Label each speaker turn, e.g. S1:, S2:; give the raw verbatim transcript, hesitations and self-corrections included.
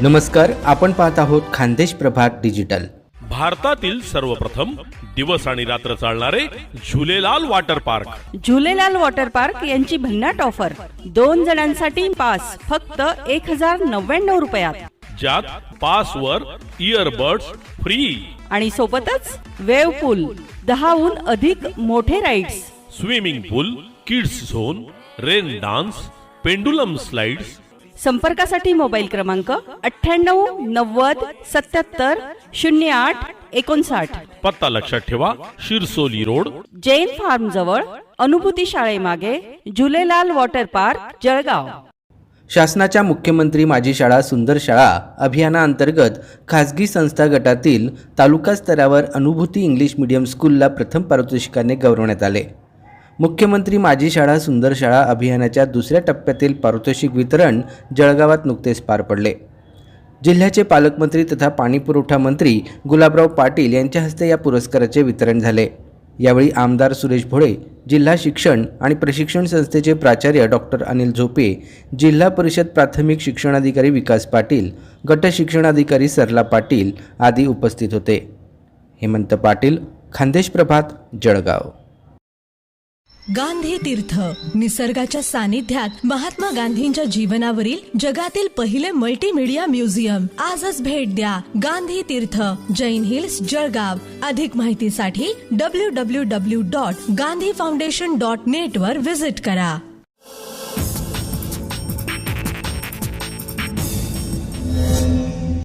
S1: नमस्कार, आपण पाहत आहोत खानदेश प्रभात डिजिटल.
S2: भारतातील सर्वप्रथम दिवस आणि रात्र चालणारे Jhulelal water park.
S3: Jhulelal water park यांची भन्नाट ऑफर. दोन जणांसाठी पास फक्त एक हजार नव्याण्णव रुपयात,
S2: ज्यात पास वर इयरबड्स फ्री
S3: आणि सोबतच वेव्ह पूल, दहाहून अधिक मोठे rides,
S2: swimming pool, kids zone, rain dance, pendulum slides.
S3: संपर्कासाठी मोबाईल क्रमांक अठ्ठ्याण्णव नव्वद सत्याहत्तर शून्य आठ एकोणसाठ.
S2: पत्ता लक्षात ठेवा, शिरसोली रोड,
S3: जैन फार्म जवळ, अनुभूती शाळेमागे, झुलेलाल वॉटर पार्क, जळगाव.
S1: शासनाच्या मुख्यमंत्री माझी शाळा सुंदर शाळा अभियानाअंतर्गत खासगी संस्था गटातील तालुका स्तरावर अनुभूती इंग्लिश मीडियम स्कूलला प्रथम पारितोषिकाने गौरवण्यात आले. मुख्यमंत्री माझी शाळा सुंदर शाळा अभियानाच्या दुसऱ्या टप्प्यातील पारितोषिक वितरण जळगावात नुकतेच पार पडले. जिल्ह्याचे पालकमंत्री तथा पाणीपुरवठा मंत्री गुलाबराव पाटील यांच्या हस्ते या पुरस्काराचे वितरण झाले. यावेळी आमदार सुरेश भोळे, जिल्हा शिक्षण आणि प्रशिक्षण संस्थेचे प्राचार्य डॉक्टर अनिल झोपे, जिल्हा परिषद प्राथमिक शिक्षणाधिकारी विकास पाटील, गट शिक्षणाधिकारी सरला पाटील आदी उपस्थित होते. हेमंत पाटील, खानदेश प्रभात, जळगाव.
S4: गांधी तीर्थ, निसर्गाच्या सानिध्यात महात्मा गांधींच्या जीवनावरील जगातील पहिले मल्टीमीडिया म्युझियम. आजच भेट द्या. गांधी तीर्थ, जैन हिल्स, जळगाव. अधिक माहितीसाठी W W W dot Gandhi foundation dot net वर व्हिजिट करा.